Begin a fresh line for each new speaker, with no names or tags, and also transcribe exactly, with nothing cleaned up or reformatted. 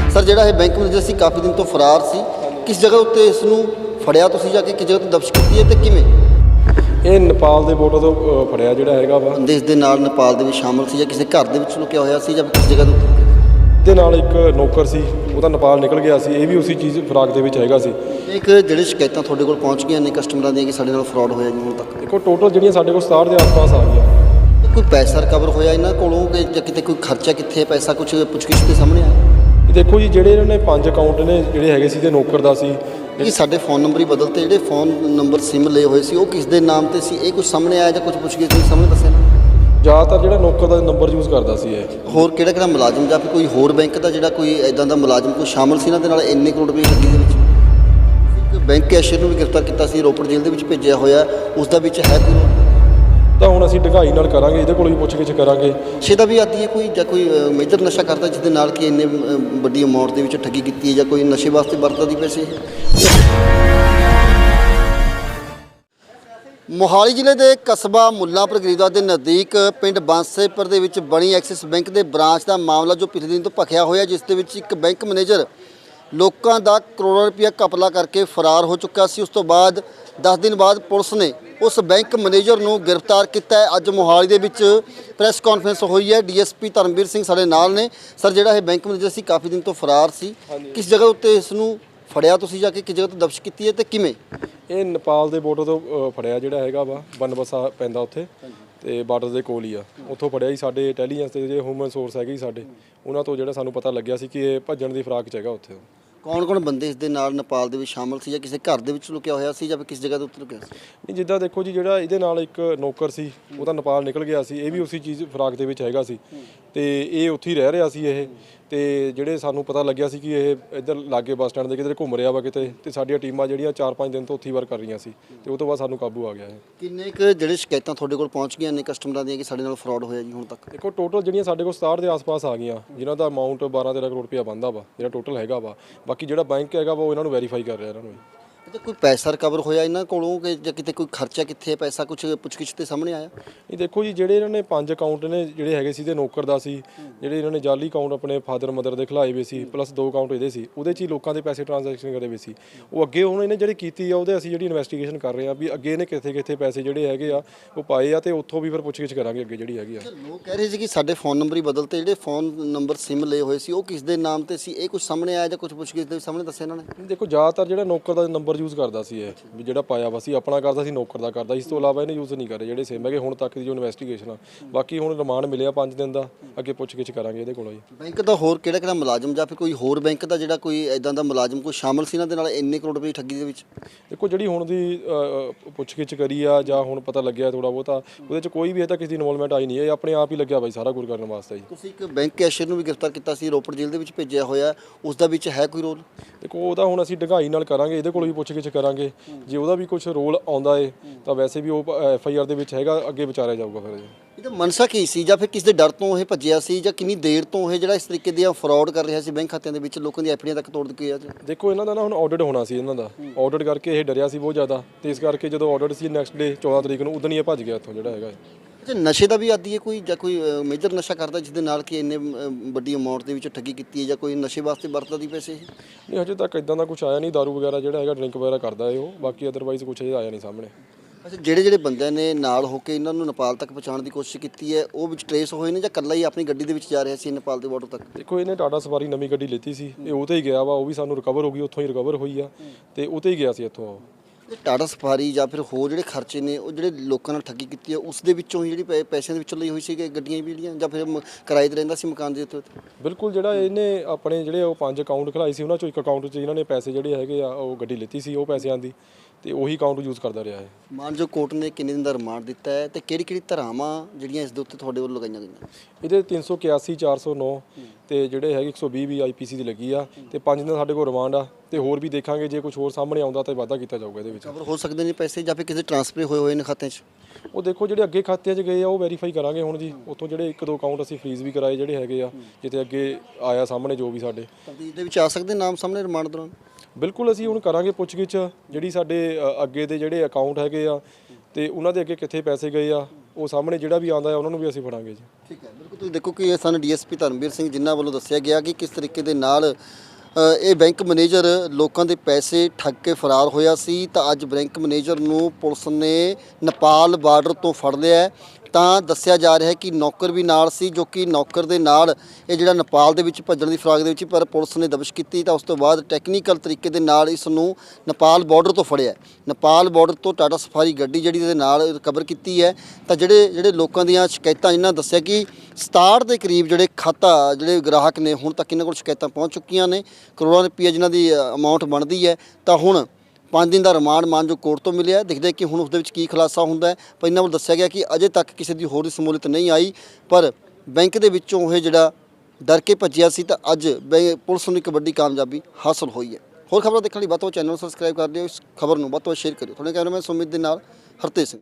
Sir ਜਿਹੜਾ ਇਹ bank manager ਸੀ ਕਾਫੀ ਦਿਨ ਤੋਂ ਫਰਾਰ ਸੀ, ਕਿਸ ਜਗ੍ਹਾ ਉੱਤੇ ਇਸ ਨੂੰ ਫੜਿਆ ਤੁਸੀਂ ਜਾ ਕੇ, ਕਿਸ ਜਗ੍ਹਾ ਤੋਂ ਦਬਸ਼ ਕੀਤੀ ਹੈ ਤੇ ਕਿਵੇਂ?
ਇਹ ਨੇਪਾਲ ਦੇ ਬਾਰਡਰ ਤੋਂ ਅ, ਫੜਿਆ ਜਿਹੜਾ ਹੈਗਾ ਵਾ।
ਬੰਦੇ ਇਸ ਦੇ ਨਾਲ ਨੇਪਾਲ ਦੇ ਵਿੱਚ ਸ਼ਾਮਲ ਸੀ ਜਾਂ ਕਿਸੇ ਘਰ ਦੇ ਵਿੱਚ ਲੁਕਿਆ ਹੋਇਆ ਸੀ ਜਾਂ ਕਿਸ ਜਗ੍ਹਾ ਤੋਂ?
ਇਹਦੇ ਨਾਲ ਇੱਕ ਨੌਕਰ ਸੀ, ਉਹ ਤਾਂ ਨੇਪਾਲ ਨਿਕਲ ਗਿਆ ਸੀ, ਇਹ ਵੀ ਉਸੇ ਚੀਜ਼ ਫਰਾਕ ਦੇ ਵਿੱਚ ਹੈਗਾ ਸੀ।
ਇੱਕ ਜਿਹੜੇ ਸ਼ਿਕਾਇਤਾਂ ਤੁਹਾਡੇ ਕੋਲ ਪਹੁੰਚ ਗਈਆਂ ਨੇ ਕਸਟਮਰਾਂ ਦੀਆਂ ਕਿ ਸਾਡੇ ਨਾਲ ਫਰਾਡ ਹੋਇਆ ਜੀ ਹੁਣ ਤੱਕ?
ਦੇਖੋ ਟੋਟਲ ਜਿਹੜੀਆਂ ਸਾਡੇ ਕੋਲ ਸਤਾਹਠ ਦੇ ਆਸ-ਪਾਸ ਆ ਗਈਆਂ।
ਕੋਈ ਪੈਸਾ ਰਿਕਵਰ ਹੋਇਆ ਇਹਨਾਂ ਕੋਲੋਂ ਕਿ ਜਾਂ ਕਿਤੇ ਕੋਈ ਖਰਚਾ ਕਿੱਥੇ ਪੈਸਾ ਕੁਝ ਪੁੱਛਗਿੱਛ ਦੇ ਸਾਹਮਣੇ ਆਇਆ?
ਇਹ ਦੇਖੋ ਜੀ, ਜਿਹੜੇ ਇਹਨਾਂ ਨੇ ਪੰਜ ਅਕਾਊਂਟ ਨੇ ਜਿਹੜੇ ਹੈਗੇ ਸੀ ਤੇ ਨੌਕਰ ਦਾ ਸੀ।
ਕਿ ਸਾਡੇ ਫੋਨ ਨੰਬਰ ਹੀ ਬਦਲਤੇ, ਜਿਹੜੇ ਫੋਨ ਨੰਬਰ ਸਿਮ ਲਏ ਹੋਏ ਸੀ ਉਹ ਕਿਸ ਦੇ ਨਾਮ ਤੇ ਸੀ, ਇਹ ਕੁਝ ਸਾਹਮਣੇ ਆਇਆ ਜਾਂ ਕੁਝ ਪੁੱਛਗਿੱਛ ਦੇ ਸਾਹਮਣੇ ਦੱਸਿਆ ਨਾ?
ਜ਼ਿਆਦਾਤਰ ਜਿਹੜਾ ਨੌਕਰ ਦਾ ਨੰਬਰ ਯੂਜ਼ ਕਰਦਾ ਸੀ ਇਹ।
ਹੋਰ ਕਿਹੜਾ ਕਿਹੜਾ ਮੁਲਾਜ਼ਮ ਜਾਂ ਫਿਰ ਕੋਈ ਹੋਰ ਬੈਂਕ ਦਾ ਜਿਹੜਾ ਕੋਈ ਇਦਾਂ ਦਾ ਮੁਲਾਜ਼ਮ ਕੋਈ ਸ਼ਾਮਲ ਸੀ ਇਹਨਾਂ ਦੇ ਨਾਲ ਇੰਨੇ ਕਰੋੜ ਰੁਪਏ ਠੱਗੀ ਦੇ ਵਿੱਚ? ਇੱਕ ਬੈਂਕ ਕੈਸ਼ੀਅਰ ਨੂੰ ਵੀ ਗ੍ਰਿਫਤਾਰ ਕੀਤਾ ਸੀ, ਰੋਪੜ ਜੇਲ੍ਹ ਦੇ ਵਿੱਚ ਭੇਜਿਆ ਹੋਇਆ, ਉਸ ਦਾ ਵਿੱਚ ਹੈ ਕੋਈ?
ਤਾਂ ਹੁਣ ਅਸੀਂ ਢੰਗਾਈ ਨਾਲ ਕਰਾਂਗੇ, ਇਹਦੇ ਕੋਲ ਵੀ ਪੁੱਛ-ਗਿੱਛ ਕਰਾਂਗੇ।
ਨਸ਼ੇ ਦਾ ਵੀ ਆਦੀ ਹੈ ਕੋਈ ਜਾਂ ਕੋਈ ਮੇਜਰ ਨਸ਼ਾ ਕਰਦਾ ਜਿਸ ਦੇ ਨਾਲ ਕਿ ਇੰਨੇ ਅ, ਵੱਡੀ ਅਮਾਉਂਟ ਦੇ ਵਿੱਚ ਠੱਗੀ ਕੀਤੀ ਹੈ ਜਾਂ ਕੋਈ ਨਸ਼ੇ ਵਾਸਤੇ ਵਰਤਦਾ ਦੀ ਪੈਸੇ? ਮੋਹਾਲੀ ਜ਼ਿਲ੍ਹੇ ਦੇ ਕਸਬਾ ਮੁੱਲਾਂਪੁਰ ਗਰੀਦਵਾਲ ਦੇ ਨਜ਼ਦੀਕ ਪਿੰਡ ਬਾਂਸੇਪੁਰ ਦੇ ਵਿੱਚ ਬਣੀ ਐਕਸਿਸ ਬੈਂਕ ਦੇ ਬ੍ਰਾਂਚ ਦਾ ਮਾਮਲਾ ਜੋ ਪਿਛਲੇ ਦਿਨ ਤੋਂ ਭਖਿਆ ਹੋਇਆ, ਜਿਸ ਦੇ ਵਿੱਚ ਇੱਕ ਬੈਂਕ ਮੈਨੇਜਰ ਲੋਕਾਂ ਦਾ ਕਰੋੜਾਂ ਰੁਪਇਆ ਘਪਲਾ ਕਰਕੇ ਫਰਾਰ ਹੋ ਚੁੱਕਾ ਸੀ। ਉਸ ਤੋਂ ਬਾਅਦ ਦਸ ਦਿਨ ਬਾਅਦ ਪੁਲਿਸ ਨੇ ਉਸ ਬੈਂਕ ਮੈਨੇਜਰ ਨੂੰ ਗ੍ਰਿਫਤਾਰ ਕੀਤਾ ਹੈ। ਅੱਜ ਮੋਹਾਲੀ ਦੇ ਵਿੱਚ ਪ੍ਰੈਸ ਕਾਨਫਰੰਸ ਹੋਈ ਹੈ, ਡੀਐਸਪੀ ਧਰਮਵੀਰ ਸਿੰਘ ਸਾਡੇ ਨਾਲ ਨੇ। ਸਰ ਜਿਹੜਾ ਇਹ ਬੈਂਕ ਮੈਨੇਜਰ ਸੀ ਕਾਫੀ ਦਿਨ ਤੋਂ ਫਰਾਰ ਸੀ, ਕਿਸ ਜਗ੍ਹਾ ਉੱਤੇ ਇਸ ਨੂੰ ਫੜਿਆ ਤੁਸੀਂ ਜਾ ਕੇ, ਕਿਸ ਜਗ੍ਹਾ ਤੋਂ ਦਬਸ਼ ਕੀਤੀ ਹੈ ਤੇ ਕਿਵੇਂ?
ਇਹ ਨੇਪਾਲ ਦੇ ਬਾਰਡਰ ਤੋਂ ਅ, ਫੜਿਆ ਜਿਹੜਾ ਹੈਗਾ ਵਾ, ਬਨਬਸਾ ਪੈਂਦਾ ਉੱਥੇ ਤੇ ਬਾਰਡਰ ਦੇ ਕੋਲ ਹੀ ਆ, ਉੱਥੋਂ ਫੜਿਆ ਜੀ। ਸਾਡੇ ਇੰਟੈਲੀਜੈਂਸ ਦੇ ਜਿਹੜੇ ਹਿਊਮਨ ਸੋਰਸ ਹੈਗੇ ਸਾਡੇ, ਉਹਨਾਂ ਤੋਂ ਜਿਹੜਾ ਸਾਨੂੰ ਪਤਾ ਲੱਗਿਆ ਸੀ ਕਿ ਇਹ ਭੱਜਣ ਦੀ ਫਰਾਕ 'ਚ ਹੈਗਾ ਉੱਥੇ।
ਕੌਣ ਕੌਣ ਬੰਦੇ ਇਸ ਦੇ ਨਾਲ ਨੇਪਾਲ ਦੇ ਵਿੱਚ ਸ਼ਾਮਲ ਸੀ ਜਾਂ ਕਿਸੇ ਘਰ ਦੇ ਵਿੱਚ ਲੁਕਿਆ ਹੋਇਆ ਸੀ ਜਾਂ ਕਿਸ ਜਗ੍ਹਾ ਦੇ ਉੱਤੇ ਲੁਕਿਆ ਸੀ?
ਨਹੀਂ, ਜਿੱਦਾਂ ਦੇਖੋ ਜੀ, ਜਿਹੜਾ ਇਹਦੇ ਨਾਲ ਇੱਕ ਨੌਕਰ ਸੀ, ਉਹ ਤਾਂ ਨੇਪਾਲ ਨਿਕਲ ਗਿਆ ਸੀ, ਇਹ ਵੀ ਉਸੇ ਚੀਜ਼ ਫਰਾਕ ਦੇ ਵਿੱਚ ਹੈਗਾ ਸੀ ਤੇ ਇਹ ਉੱਥੇ ਹੀ ਰਹਿ ਰਿਹਾ ਸੀ ਇਹ। ਤੇ ਜਿਹੜੇ ਸਾਨੂੰ ਪਤਾ ਲੱਗਿਆ ਸੀ ਕਿ ਇਹ ਇੱਧਰ ਲਾਗੇ ਬੱਸ ਸਟੈਂਡ ਦੇ ਕਿਤੇ ਘੁੰਮ ਰਿਹਾ ਵਾ ਕਿਤੇ, ਤੇ ਸਾਡੀਆਂ ਟੀਮਾਂ ਜਿਹੜੀਆਂ ਚਾਰ ਪੰਜ ਦਿਨ ਤੋਂ ਉੱਥੇ ਵਰਕ ਕਰ ਰਹੀਆਂ ਸੀ ਤੇ ਉਹ ਤੋਂ ਬਾਅਦ ਸਾਨੂੰ ਕਾਬੂ ਆ ਗਿਆ ਇਹ।
ਕਿੰਨੇ ਕੁ ਜਿਹੜੇ ਸ਼ਿਕਾਇਤਾਂ ਤੁਹਾਡੇ ਕੋਲ ਪਹੁੰਚ ਗਈਆਂ ਨੇ ਕਸਟਮਰਾਂ ਦੀਆਂ ਕਿ ਸਾਡੇ ਨਾਲ ਫਰਾਡ ਹੋਇਆ ਜੀ ਹੁਣ ਤੱਕ?
ਦੇਖੋ ਟੋਟਲ ਜਿਹੜੀਆਂ ਸਾਡੇ ਕੋਲ ਸਤਾਹਠ ਦੇ ਆਸ-ਪਾਸ ਆ ਗਈਆਂ, ਜਿਨ੍ਹਾਂ ਦਾ ਅਮਾਊਂਟ ਬਾਰਾਂ ਤੇਰਾਂ ਕਰੋੜ ਰੁਪਇਆ ਬਣਦਾ ਵਾ, ਜਿਹੜਾ ਟੋਟਲ ਹੈਗਾ ਵਾ। ਬਾਕੀ ਜਿਹੜਾ ਬੈਂਕ ਹੈਗਾ ਵਾ ਉਹ ਇਹਨਾਂ ਨੂੰ ਵੈਰੀਫਾਈ ਕਰ ਰਿਹਾ ਇਹਨਾਂ ਨੂੰ।
ਅੱਛਾ, ਕੋਈ ਪੈਸਾ ਰਿਕਵਰ ਹੋਇਆ ਇਹਨਾਂ ਕੋਲੋਂ ਕਿ ਜਾਂ ਕਿਤੇ ਕੋਈ ਖਰਚਾ ਕਿੱਥੇ ਪੈਸਾ ਕੁਝ ਪੁੱਛਗਿੱਛ ਦੇ ਸਾਹਮਣੇ ਆਇਆ?
ਇਹ ਦੇਖੋ ਜੀ, ਜਿਹੜੇ ਇਹਨਾਂ ਨੇ ਪੰਜ ਅਕਾਊਂਟ ਨੇ ਜਿਹੜੇ ਹੈਗੇ ਸੀ ਤੇ ਨੌਕਰ ਦਾ ਸੀ, ਜਿਹੜੇ ਇਹਨਾਂ ਨੇ ਜਾਲੀ ਅਕਾਊਂਟ ਆਪਣੇ ਫਾਦਰ ਮਦਰ ਦੇ ਖਿਲਾਏ ਹੋਏ ਸੀ, ਪਲੱਸ ਦੋ ਅਕਾਊਂਟ ਇਹਦੇ ਸੀ, ਉਹਦੇ 'ਚ ਹੀ ਲੋਕਾਂ ਦੇ ਪੈਸੇ ਟ੍ਰਾਂਜੈਕਸ਼ਨ ਕਰੇ ਹੋਏ ਸੀ। ਉਹ ਅੱਗੇ ਹੁਣ ਇਹਨੇ ਜਿਹੜੀ ਕੀਤੀ ਆ ਉਹਦੇ ਅਸੀਂ ਜਿਹੜੀ ਇਨਵੈਸਟੀਗੇਸ਼ਨ ਕਰ ਰਹੇ ਆ ਵੀ ਅੱਗੇ ਇਹਨੇ ਕਿੱਥੇ ਕਿੱਥੇ ਪੈਸੇ ਜਿਹੜੇ ਹੈਗੇ ਆ ਉਹ ਪਾਏ ਆ, ਤੇ ਉੱਥੋਂ ਵੀ ਫਿਰ ਪੁੱਛਗਿੱਛ ਕਰਾਂਗੇ ਅੱਗੇ ਜਿਹੜੀ ਹੈਗੀ ਆ।
ਲੋਕ ਕਹਿ ਰਹੇ ਸੀ ਕਿ ਸਾਡੇ ਫੋਨ ਨੰਬਰ ਹੀ ਬਦਲਤੇ, ਜਿਹੜੇ ਫੋਨ ਨੰਬਰ ਸਿਮ ਲਏ ਹੋਏ ਸੀ ਉਹ ਕਿਸ ਦੇ ਨਾਮ ਤੇ ਸੀ, ਇਹ ਕੁਝ ਸਾਹਮਣੇ ਆਇਆ ਜਾਂ ਕੁਝ ਪੁੱਛਗਿੱਛ ਦੇ ਸਾਹਮਣੇ ਦੱਸਿਆ ਇਹਨਾਂ ਨੇ?
ਦੇਖੋ ਜ਼ਿਆਦਾਤਰ ਜਿਹੜਾ ਨੌਕਰ ਦਾ ਨੰਬਰ ਯੂਜ਼ ਕਰਦਾ ਸੀ ਇਹ, ਵੀ ਜਿਹੜਾ ਪਾਇਆ ਵਾ ਸੀ ਆਪਣਾ ਕਰਦਾ ਸੀ, ਨੌਕਰ ਦਾ ਕਰਦਾ, ਇਸ ਤੋਂ ਇਲਾਵਾ ਇਹਨੇ ਯੂਜ਼ ਨਹੀਂ ਕਰੇ ਜਿਹੜੇ ਸਿਮ ਹੈਗੇ ਹੁਣ ਤੱਕ ਦੀ ਜੋ ਇਨਵੈਸਟੀਗੇਸ਼ਨ ਆ। ਬਾਕੀ ਹੁਣ ਰਿਮਾਂਡ ਮਿਲਿਆ ਪੰਜ ਦਿਨ ਦਾ, ਅੱਗੇ ਪੁੱਛਗਿੱਛ ਕਰਾਂਗੇ ਇਹਦੇ ਕੋਲੋਂ ਜੀ।
ਬੈਂਕ ਦਾ ਹੋਰ ਕਿਹੜਾ ਕਿਹੜਾ ਮੁਲਾਜ਼ਮ ਜਾਂ ਫਿਰ ਕੋਈ ਹੋਰ ਬੈਂਕ ਦਾ ਜਿਹੜਾ ਕੋਈ ਇਦਾਂ ਦਾ ਮੁਲਾਜ਼ਮ ਕੋਈ ਸ਼ਾਮਲ ਸੀ ਇਹਨਾਂ ਦੇ ਨਾਲ ਇੰਨੇ ਕਰੋੜ ਰੁਪਏ ਠੱਗੀ ਦੇ ਵਿੱਚ?
ਦੇਖੋ ਜਿਹੜੀ ਹੁਣ ਦੀ ਅ, ਪੁੱਛਗਿੱਛ ਕਰੀ ਆ ਜਾਂ ਹੁਣ ਪਤਾ ਲੱਗਿਆ ਥੋੜਾ ਬਹੁਤਾ, ਉਹਦੇ 'ਚ ਕੋਈ ਵੀ ਹੈ ਤਾਂ ਕਿਸੇ ਦੀ ਇਨਵੋਲਵਮੈਂਟ ਆਈ ਨਹੀਂ ਹੈ, ਇਹ ਆਪਣੇ ਆਪ ਹੀ ਲੱਗਿਆ ਬਾਈ ਸਾਰਾ ਕੁਝ ਕਰਨ ਵਾਸਤੇ ਜੀ।
ਤੁਸੀਂ ਇੱਕ ਬੈਂਕ ਕੈਸ਼ੀਅਰ ਨੂੰ ਵੀ ਗ੍ਰਿਫਤਾਰ ਕੀਤਾ ਸੀ, ਰੋਪੜ ਜੇਲ੍ਹ ਦੇ ਵਿੱਚ ਭੇਜਿਆ ਹੋਇਆ, ਉਸ ਦਾ ਵਿੱਚ ਹੈ ਕੋਈ ਰੋਲ?
ਦੇਖੋ ਉਹਦਾ ਹੁਣ ਅਸੀਂ ਢੰਗਾਈ ਨਾਲ ਕਰਾਂਗੇ, ਇਹਦੇ ਕੋਲ ਵੀ ਪੁੱਛਗਿੱਛ ਕਰਾਂਗੇ, ਜੇ ਉਹਦਾ ਵੀ ਕੁਝ ਰੋਲ ਆਉਂਦਾ ਏ ਤਾਂ ਵੈਸੇ ਵੀ ਉਹ ਐਫ ਆਈ ਆਰ ਦੇ ਵਿੱਚ ਹੈਗਾ, ਅੱਗੇ ਵਿਚਾਰਿਆ ਜਾਊਗਾ ਫਿਰ।
ਇਹਦਾ ਮਨਸਾ ਕੀ ਸੀ ਜਾਂ ਫਿਰ ਕਿਸ ਦੇ ਡਰ ਤੋਂ ਇਹ ਭੱਜਿਆ ਸੀ ਜਾਂ ਕਿੰਨੀ ਦੇਰ ਤੋਂ ਇਹ ਜਿਹੜਾ ਇਸ ਤਰੀਕੇ ਦੀਆਂ ਫਰਾਡ ਕਰ ਰਿਹਾ ਸੀ ਬੈਂਕ ਖਾਤਿਆਂ ਦੇ ਵਿੱਚ, ਲੋਕਾਂ ਦੀ ਐਫ ਡੀਆਂ ਤੱਕ ਤੋੜ ਦਿੱਤੀ?
ਦੇਖੋ ਇਹਨਾਂ ਦਾ ਨਾ ਹੁਣ ਆਡਿਟ ਹੋਣਾ ਸੀ, ਇਹਨਾਂ ਦਾ ਆਡਿਟ ਕਰਕੇ ਇਹ ਡਰਿਆ ਸੀ ਬਹੁਤ ਜ਼ਿਆਦਾ, ਤੇ ਇਸ ਕਰਕੇ ਜਦੋਂ ਆਡਿਟ ਸੀ ਨੈਕਸਟ ਡੇ ਚੌਦਾਂ ਤਰੀਕ ਨੂੰ, ਉਦੋਂ ਹੀ ਇਹ ਭੱਜ ਗਿਆ ਇੱਥੋਂ ਜਿਹੜਾ ਹੈਗਾ।
ਅੱਛਾ, ਨਸ਼ੇ ਦਾ ਵੀ ਆਦੀ ਹੈ ਕੋਈ ਜਾਂ ਕੋਈ ਮੇਜਰ ਨਸ਼ਾ ਕਰਦਾ ਜਿਸ ਦੇ ਨਾਲ ਕਿ ਇੰਨੇ ਵੱਡੀ ਅਮਾਉਂਟ ਦੇ ਵਿੱਚ ਠੱਗੀ ਕੀਤੀ ਹੈ ਜਾਂ ਕੋਈ ਨਸ਼ੇ ਵਾਸਤੇ ਵਰਤਦਾ ਦੀ ਪੈਸੇ?
ਨਹੀਂ, ਹਜੇ ਤੱਕ ਇਦਾਂ ਦਾ ਕੁਝ ਆਇਆ ਨਹੀਂ, ਦਾਰੂ ਵਗੈਰਾ ਜਿਹੜਾ ਹੈਗਾ ਡਰਿੰਕ ਵਗੈਰਾ ਕਰਦਾ ਹੈ ਉਹ, ਬਾਕੀ ਅਦਰਵਾਈਜ਼ ਕੁਝ ਇਹ ਆਇਆ ਨਹੀਂ ਸਾਹਮਣੇ।
ਅੱਛਾ, ਜਿਹੜੇ ਜਿਹੜੇ ਬੰਦਿਆਂ ਨੇ ਨਾਲ ਹੋ ਕੇ ਇਹਨਾਂ ਨੂੰ ਨੇਪਾਲ ਤੱਕ ਪਹੁੰਚਾਉਣ ਦੀ ਕੋਸ਼ਿਸ਼ ਕੀਤੀ ਹੈ ਉਹ ਵਿੱਚ ਟਰੇਸ ਹੋਏ ਨੇ ਜਾਂ ਇਕੱਲਾ ਹੀ ਆਪਣੀ ਗੱਡੀ ਦੇ ਵਿੱਚ ਜਾ ਰਿਹਾ ਸੀ ਨੇਪਾਲ ਦੇ ਬਾਰਡਰ ਤੱਕ?
ਦੇਖੋ ਇਹਨੇ ਟਾਟਾ ਸਵਾਰੀ ਨਵੀਂ ਗੱਡੀ ਲਿੱਤੀ ਸੀ, ਇਹ ਉਹ 'ਤੇ ਹੀ ਗਿਆ ਵਾ, ਉਹ ਵੀ ਸਾਨੂੰ ਰਿਕਵਰ ਹੋ ਗਈ, ਉੱਥੋਂ ਹੀ ਰਿਕਵਰ ਹੋਈ ਆ ਤੇ ਉਹ 'ਤੇ ਹੀ ਗਿਆ ਸੀ ਇੱਥੋਂ।
ਟਾਟਾ ਸਫਾਰੀ ਜਾਂ ਫਿਰ ਹੋਰ ਜਿਹੜੇ ਖਰਚੇ ਨੇ ਉਹ ਜਿਹੜੇ ਲੋਕਾਂ ਨਾਲ ਠੱਗੀ ਕੀਤੀ ਹੈ ਉਸ ਦੇ ਵਿੱਚੋਂ ਹੀ ਜਿਹੜੀ ਪੈਸਿਆਂ ਦੇ ਵਿੱਚੋਂ ਲਈ ਹੋਈ ਸੀ ਗੱਡੀਆਂ ਵੀ ਜਿਹੜੀਆਂ, ਜਾਂ ਫਿਰ ਕਿਰਾਏ ਤੇ ਰਹਿੰਦਾ ਸੀ ਮਕਾਨ ਦੇ ਉੱਤੇ?
ਬਿਲਕੁਲ, ਜਿਹੜਾ ਇਹਨੇ ਆਪਣੇ ਜਿਹੜੇ ਉਹ ਪੰਜ ਅਕਾਊਂਟ ਖਿਲਾਏ ਸੀ ਉਹਨਾਂ 'ਚੋਂ ਇੱਕ ਅਕਾਊਂਟ 'ਚ ਇਹਨਾਂ ਨੇ ਪੈਸੇ ਜਿਹੜੇ ਹੈਗੇ ਆ ਉਹ ਗੱਡੀ ਲਿੱਤੀ ਸੀ ਉਹ ਪੈਸਿਆਂ ਦੀ, ਤੇ ਉਹੀ ਅਕਾਊਂਟ ਯੂਜ਼ ਕਰਦਾ ਰਿਹਾ ਹੈ।
ਮਾਨਜੋ ਕੋਰਟ ਨੇ ਕਿੰਨੇ ਦਿਨ ਦਾ ਰਿਮਾਂਡ ਦਿੱਤਾ ਹੈ ਤੇ ਕਿਹੜੀ ਕਿਹੜੀ ਧਾਰਾਵਾਂ ਜਿਹੜੀਆਂ ਇਸ ਦੇ ਉੱਤੇ ਤੁਹਾਡੇ ਵੱਲੋਂ ਲਗਾਈਆਂ ਗਈਆਂ?
ਇਹਦੇ ਤਿੰਨ ਸੌ ਇਕਿਆਸੀ ਚਾਰ ਸੌ ਨੌ ਤੇ ਜਿਹੜੇ ਹੈਗੇ ਇੱਕ ਸੌ ਵੀਹ ਵੀ ਆਈ ਪੀ ਸੀ ਦੀ ਲੱਗੀ ਆ, ਤੇ ਪੰਜ ਦਿਨ ਸਾਡੇ ਕੋਲ ਰਿਮਾਂਡ ਆ, ਤੇ ਹੋਰ ਵੀ ਦੇਖਾਂਗੇ ਜੇ ਕੁਝ ਹੋਰ ਸਾਹਮਣੇ ਆਉਂਦਾ ਤਾਂ ਵਾਧਾ ਕੀਤਾ ਜਾਊਗਾ ਇਹਦੇ ਵਿੱਚ।
ਕਵਰ ਹੋ ਸਕਦੇ ਨੇ ਪੈਸੇ ਜਾਂ ਫਿਰ ਕਿਸੇ ਟ੍ਰਾਂਸਫਰ ਹੋਏ ਹੋਏ ਨੇ ਖਾਤਿਆਂ 'ਚ?
ਉਹ ਦੇਖੋ ਜਿਹੜੇ ਅੱਗੇ ਖਾਤਿਆਂ 'ਚ ਗਏ ਆ ਉਹ ਵੈਰੀਫਾਈ ਕਰਾਂਗੇ ਹੁਣ ਜੀ, ਉੱਥੋਂ ਜਿਹੜੇ ਇੱਕ ਦੋ ਅਕਾਊਂਟ ਅਸੀਂ ਫਰੀਜ਼ ਵੀ ਕਰਾਏ ਜਿਹੜੇ ਹੈਗੇ ਆ, ਜਿੱਥੇ ਅੱਗੇ ਆਇਆ ਸਾਹਮਣੇ ਜੋ ਵੀ ਸਾਡੇ
ਤਫਤੀਸ਼ ਦੇ ਵਿੱਚ ਆ ਸਕਦੇ ਨਾਮ ਸਾਹਮਣੇ ਰਿਮਾਂਡ ਦੌਰਾਨ?
ਬਿਲਕੁਲ, ਅਸੀਂ ਹੁਣ ਕਰਾਂਗੇ ਪੁੱਛਗਿੱਛ ਜਿਹੜੀ ਸਾਡੇ ਅੱਗੇ ਦੇ ਜਿਹੜੇ ਅਕਾਊਂਟ ਹੈਗੇ ਆ ਤੇ ਉਹਨਾਂ ਦੇ ਅੱਗੇ ਕਿੱਥੇ ਪੈਸੇ ਗਏ ਆ, ਉਹ ਸਾਹਮਣੇ ਜਿਹੜਾ ਵੀ ਆਉਂਦਾ ਹੈ ਉਹਨਾਂ ਨੂੰ ਵੀ ਅਸੀਂ ਫੜਾਂਗੇ ਜੀ।
ਠੀਕ ਹੈ, ਬਿਲਕੁਲ ਤੁਸੀਂ ਦੇਖੋ ਕਿ ਇਹ ਸਨ ਡੀਐਸਪੀ ਧਰਮਵੀਰ ਸਿੰਘ ਜਿਨ੍ਹਾਂ ਵੱਲੋਂ ਦੱਸਿਆ ਗਿਆ ਕਿ ਕਿਸ ਤਰੀਕੇ ਦੇ ਨਾਲ ਅ, ਇਹ ਬੈਂਕ ਮੈਨੇਜਰ ਲੋਕਾਂ ਦੇ ਪੈਸੇ ਠੱਗ ਕੇ ਫਰਾਰ ਹੋਇਆ ਸੀ ਤਾਂ ਅੱਜ ਬੈਂਕ ਮੈਨੇਜਰ ਨੂੰ ਪੁਲਿਸ ਨੇ ਨੇਪਾਲ ਬਾਰਡਰ ਤੋਂ ਫੜ ਲਿਆ ਹੈ। ਤਾਂ ਦੱਸਿਆ ਜਾ ਰਿਹਾ ਹੈ ਕਿ ਨੌਕਰ ਵੀ ਨਾਲ ਸੀ ਜੋ ਕਿ ਨੌਕਰ ਦੇ ਨਾਲ ਇਹ ਜਿਹੜਾ ਨੇਪਾਲ ਦੇ ਵਿੱਚ ਭੱਜਣ ਦੀ ਫਰਾਗ ਦੇ ਵਿੱਚ, ਪਰ ਪੁਲਿਸ ਨੇ ਦਬਿਸ਼ ਕੀਤੀ ਤਾਂ ਉਸ ਤੋਂ ਬਾਅਦ ਟੈਕਨੀਕਲ ਤਰੀਕੇ ਦੇ ਨਾਲ ਇਸ ਨੂੰ ਨੇਪਾਲ ਬਾਰਡਰ ਤੋਂ ਫੜਿਆ। ਨੇਪਾਲ ਬਾਰਡਰ ਤੋਂ ਟਾਟਾ ਸਫਾਰੀ ਗੱਡੀ ਜਿਹੜੀ ਇਹਦੇ ਨਾਲ ਰਿਕਵਰ ਕੀਤੀ ਹੈ। ਤਾਂ ਜਿਹੜੇ ਜਿਹੜੇ ਲੋਕਾਂ ਦੀਆਂ ਸ਼ਿਕਾਇਤਾਂ, ਇਹਨਾਂ ਦੱਸਿਆ ਕਿ ਸਤਾਹਠ ਦੇ ਕਰੀਬ ਜਿਹੜੇ ਖਾਤਾ ਜਿਹੜੇ ਗ੍ਰਾਹਕ ਨੇ ਹੁਣ ਤੱਕ ਇਹਨਾਂ ਕੋਲ ਸ਼ਿਕਾਇਤਾਂ ਪਹੁੰਚ ਚੁੱਕੀਆਂ ਨੇ, ਕਰੋੜਾਂ ਰੁਪਈਆ ਜਿਨ੍ਹਾਂ ਦੀ ਅਮਾਊਂਟ ਬਣਦੀ ਹੈ। ਤਾਂ ਹੁਣ ਪੰਜ ਦਿਨ ਦਾ ਰਿਮਾਂਡ ਮਾਨਯੋਗ ਕੋਰਟ ਤੋਂ ਮਿਲਿਆ। ਦੇਖਦੇ ਕਿ ਹੁਣ ਉਸ ਦੇ ਵਿੱਚ ਕੀ ਖੁਲਾਸਾ ਹੁੰਦਾ ਹੈ। ਪਰ ਇਹਨਾਂ ਵੱਲ ਦੱਸਿਆ ਗਿਆ ਕਿ ਅਜੇ ਤੱਕ ਕਿਸੇ ਦੀ ਹੋਰ ਦੀ ਸਮੂਲੀਅਤ ਨਹੀਂ ਆਈ, ਪਰ ਬੈਂਕ ਦੇ ਵਿੱਚੋਂ ਇਹ ਜਿਹੜਾ ਡਰ ਕੇ ਭੱਜਿਆ ਸੀ ਤਾਂ ਅੱਜ ਬੈ- ਪੁਲਿਸ ਨੂੰ ਇੱਕ ਵੱਡੀ ਕਾਮਯਾਬੀ ਹਾਸਲ ਹੋਈ ਹੈ। ਹੋਰ ਖਬਰਾਂ ਦੇਖਣ ਲਈ ਵੱਧ ਤੋਂ ਵੱਧ ਚੈਨਲ ਨੂੰ ਸਬਸਕ੍ਰਾਈਬ ਕਰ ਦਿਓ, ਇਸ ਖਬਰ ਨੂੰ ਵੱਧ ਤੋਂ ਵੱਧ ਸ਼ੇਅਰ ਕਰਿਓ। ਤੁਹਾਡੇ ਕੈਮਰਾਮੈਨ ਸੁਮਿਤ ਦੇ ਨਾਲ ਹਰਤੇਜ ਸਿੰਘ।